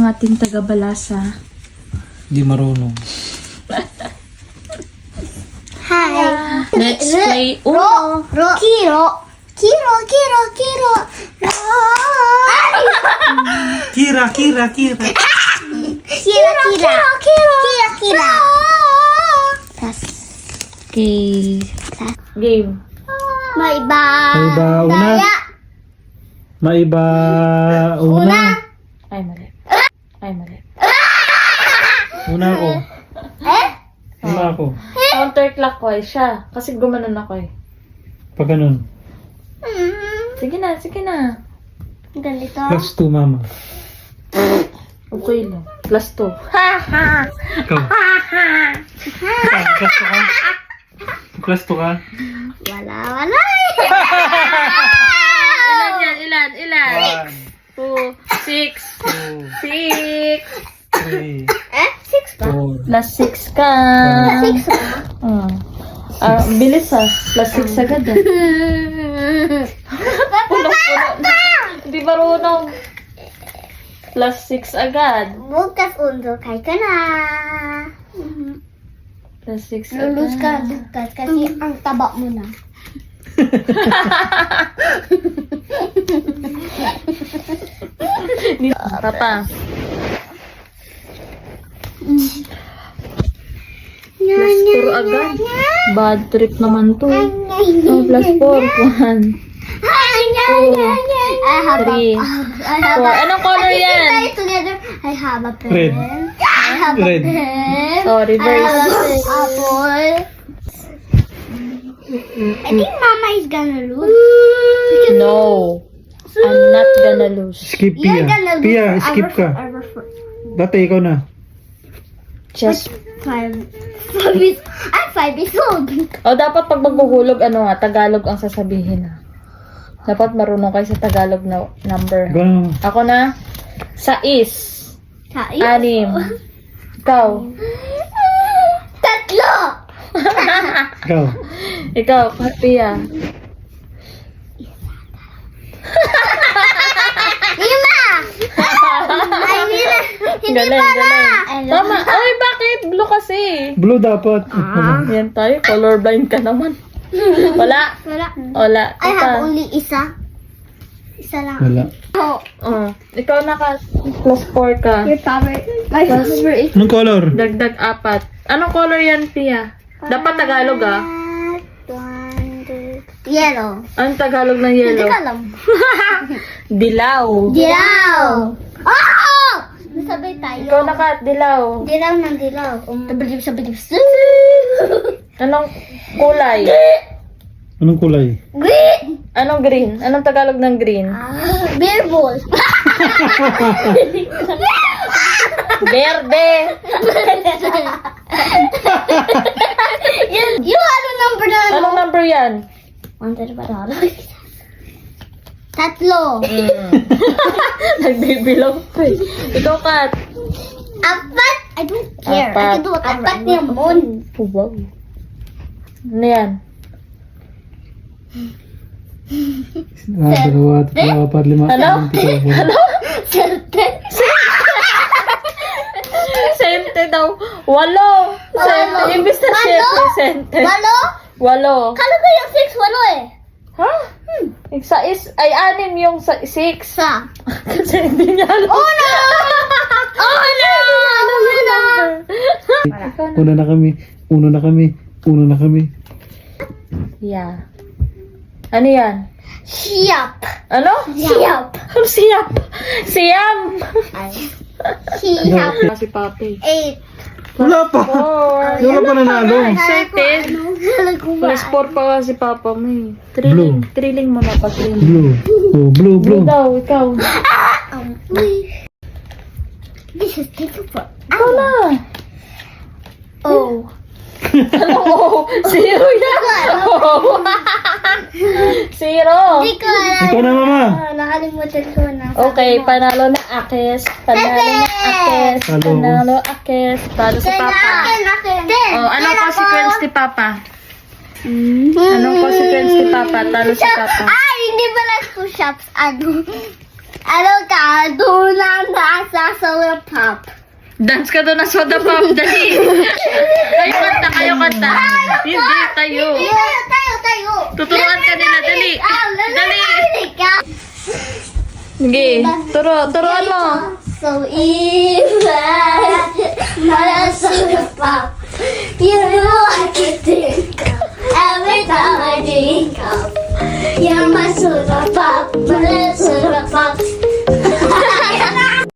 ang ating taga-balasa. Hindi marunong. Hi. Let's play Uno. Kiro. Kiro. Kira. Kira. Plus. Okay. Game. Maiba. Maiba una. Ay, mali. Una ako. Una ako. Counterclockwise siya. Kasi gumanon ako eh. Pag ganun. Sige na. Ganito. Plus 2, mama. Okay lang. Plus 2. Ikaw. Plus 2 ka? Wala. Ilan? 2, 6. 6. 3, 6 ba? 4. Plus 6 ka. 6 ba? Bilis Plus 6 agad Puno. Hindi marunong. Plus 6 agad. Bukas undo kay ka na. Plus 6 agad. Lulus ka bukas kasi ang taba mo na. Papa. Plus 4 agad. Bad trip naman to. Plus 4. 1. 2, 3, 4. Anong color yan? Together. I have a pen. Red. I have a Red. pen. Oh, reverse. I have an apple. I think Mama is gonna lose. No. I'm not gonna lose. Skip, You're Pia. gonna lose Pia, forever, skip ka. forever. Dati ikaw na. Just 5 is old. dapat pag maghuhulog, Tagalog ang sasabihin Dapat marunong kayo sa Tagalog na number. Ganun. Ako na, 6, 6. Ikaw. 3. Ikaw. Ikaw, Pia. 5. Hindi Galing. Tama. Ay, bakit? Blue kasi. Blue dapat. Yan tayo. Colorblind ka naman. Wala. Wala. I have only isa. Isa lang. Wala. Ikaw plus 4 ka. Your favorite. My favorite is Anong color? Dagdag 4. Anong color yan, Pia? Dapat Tagalog yellow. Anong Tagalog ng Hindi yellow? ka alam. Dilaw. Dilaw. Oh! Nasabay tayo. Ikaw dilaw. Dilaw ng dilaw. Sabay. Anong kulay? Anong kulay? Green. Anong green? Anong Tagalog ng green? Beer ball. Berde. Yung ano number na ano? Anong number yan? 1, 2, 3, 4. 3. Nagbibilong ko eh. Ikaw, Kat. 4. I don't care. I can do whatever. 4 naman. Wow. Ano yan? 1, 2, 3, 4, 5, 6, 7, 8, 9, 10, 11. Ano? Sente daw. 8. Sente. Imbis na siyempre, sente. 8. Kala ko yung 6, 8 eh. Ha? Yung sa ay 6 yung sa 6. Sa. Kasi hindi niya alam. Oh no! Alam yung number. Una na kami. Yeah. Ano yan? Siyap. Ano? Siyap. Ano siyap? Siyam. Siyap. Si Papi. 8. Wala pa. 4. Wala pa nanalo. Excited. Plus 4 pa si Papa mo eh. Blue. Thrilling mo na pa. Blue. Oh, blue. Blue daw, ikaw. This is taking for. Ikaw na. Oh. Ano? 0 yan. Oh. 0. Hindi ko alam. Ikaw na, mama. Nakalimutan ko na. Okay, panalo na Akes. Panalo Akes. Talo si Papa. Oh, anong consequence ni Papa? Anong consequence ni Papa? Talo si Papa. Ay, hindi pala push-ups. Ano? Ano ka? Doon lang nasa solar pop. Dance ka doon na soda pop, dali. Kayo kanta. Hindi, tayo. Tayo. Tuturuan ka nila, dali. Dali. Sige, turuan mo. So evil, not a solar pop. You know I can do.